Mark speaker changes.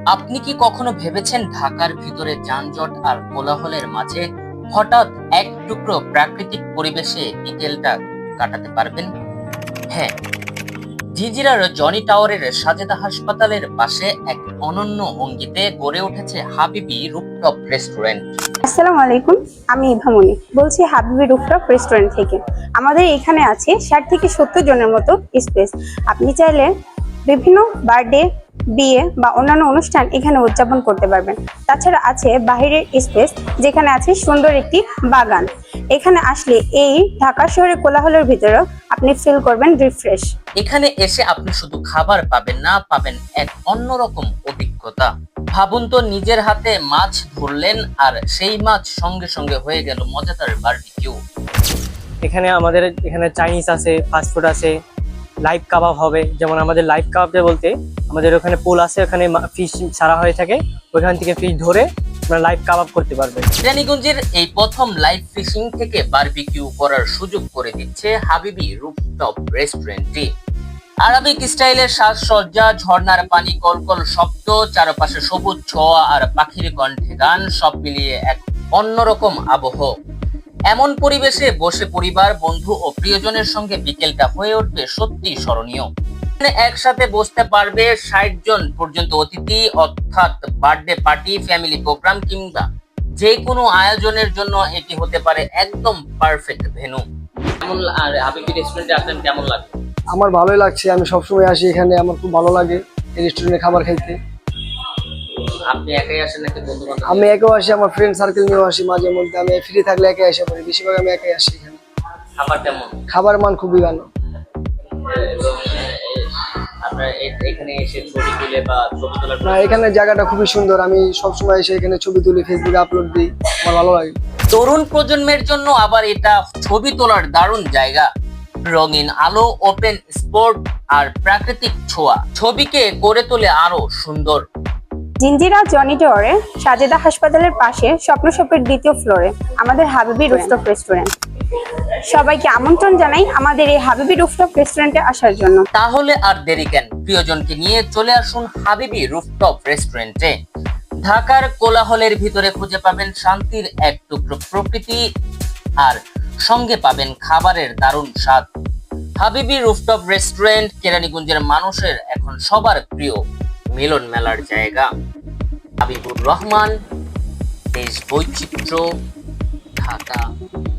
Speaker 1: আপনি কি কখনো ভেবেছেন ঢাকার ভিতরে যানজট আর কোলাহলের মাঝে হঠাৎ এক টুকরো প্রাকৃতিক পরিবেশে বিকেলটা কাটাতে পারবেন? হ্যাঁ, জিঞ্জিরার জনি টাওয়ারের সাজেদা হাসপাতালের পাশে এক অনন্য অঙ্গিতে গড়ে উঠেছে হাবিবি রুফটপ রেস্টুরেন্ট।
Speaker 2: আসসালামু আলাইকুম, আমি ইভামনি বলছি হাবিবি রুফটপ রেস্টুরেন্ট থেকে। আমাদের এখানে আছে 60 থেকে 70 জনের মতো স্পেস। আপনি চাইলে বিভিন্ন বার্থডে, বিয়ে বা অন্যান্য অনুষ্ঠান এখানে উদযাপন করতে পারবেন। তাছাড়া আছে বাইরের স্পেস, যেখানে আছে সুন্দর একটি বাগান। এখানে আসলে এই ঢাকা শহরের কোলাহলের ভিতরেও আপনি ফিল করবেন রিফ্রেশ।
Speaker 1: এখানে এসে আপনি শুধু খাবার পাবেন না, পাবেন এক অন্যরকম অভিজ্ঞতা। ভাবুন তো, নিজের হাতে মাছ ধরলেন আর সেই মাছ সঙ্গে সঙ্গে হয়ে গেল মজাদার বারবিকিউ।
Speaker 3: আমাদের এখানে চাইনিজ আছে, ফাস্টফুড আছে, লাইভ কাবাব হবে। যেমন আমাদের লাইভ কাবাবটা বলতে আমাদের ওখানে পুল আছে, ওখানে ফিশ ছাড়া হয়ে থাকে, ওইখান থেকে ফিশ ধরে আমরা লাইভ কাবাব করতে পারবেন।
Speaker 1: কেরানীগঞ্জের এই প্রথম লাইভ ফিশিং থেকে বারবিকিউ করার সুযোগ করে দিচ্ছে হাবিবি রুফটপ রেস্টুরেন্টটি। আরবিক স্টাইলের সাজসজ্জা, ঝর্ণার পানি, কলকল শব্দ, চারপাশে সবুজ ছোঁয়া আর পাখির কণ্ঠে গান, সব মিলিয়ে এক অন্যরকম আবহ। এমন পরিবেশে বসে পরিবার, বন্ধু ও প্রিয়জনের সঙ্গে বিকেলটা হয়ে উঠবে সত্যি স্মরণীয়। এখানে একসাথে বসতে পারবে 60 জন পর্যন্ত অতিথি, অর্থাৎ বার্থডে পার্টি, ফ্যামিলি প্রোগ্রাম কিংবা যে কোনো আয়োজনের জন্য এটি হতে পারে একদম পারফেক্ট ভেন্যু। কেমন আর হাবিবি রেস্টুরেন্টে আসলেন, কেমন লাগে?
Speaker 4: আমার ভালোই লাগছে। আমি সবসময় আসি এখানে, আমার খুব ভালো লাগে এই রেস্টুরেন্টে খাবার খাইতে।
Speaker 1: আপনি একাই আসেন নাকি বন্ধু বান্ধব?
Speaker 4: আমি একাও আসি, আমার ফ্রেন্ড সার্কেল নিয়েও আসি মাঝে মধ্যে। আমি ফ্রি থাকলে একাই আসা পড়ি, বেশিরভাগ আমি একাই আসি এখানে।
Speaker 1: খাবার কেমন?
Speaker 4: খাবার মান খুবই ভালো।
Speaker 1: এবং আপনার এখানে এসে ছবি তুলে বা ছবি তোলার
Speaker 4: না, এখানে জায়গাটা খুবই সুন্দর। আমি সবসময় এসে এখানে ছবি তুলি, ফেসবুকে আপলোড দিই, আমার ভালো লাগে।
Speaker 1: তরুণ প্রজন্মের জন্য আবার এটা ছবি তোলার দারুণ জায়গা। রঙিন আলো, ওপেন স্পট আর প্রাকৃতিক ছোঁয়া ছবিকে করে তোলে আরো সুন্দর।
Speaker 2: জিঞ্জিরা জনি টাওয়ারে সাজেদা হাসপাতালের পাশে স্বপ্ন শপের 2য় ফ্লোরে আমাদের হাবিবি রুফটপ রেস্টুরেন্ট। সবাইকে আমন্ত্রণ জানাই আমাদের এই হাবিবি রুফটপ রেস্টুরেন্টে আসার জন্য।
Speaker 1: তাহলে আর দেরি কেন, প্রিয়জনকে নিয়ে চলে আসুন হাবিবি রুফটপ রেস্টুরেন্টে। ঢাকার কোলাহলের ভিতরে খুঁজে পাবেন শান্তির এক টুকরো প্রকৃতি আর সঙ্গে পাবেন খাবারের দারুণ স্বাদ। হাবিবি রুফটপ রেস্টুরেন্ট কেরানীগঞ্জের মানুষের এখন সবার প্রিয় মিলন মেলার জায়গা। হাবিবুর রহমান, দেশ বৈচিত্র্য, ঢাকা।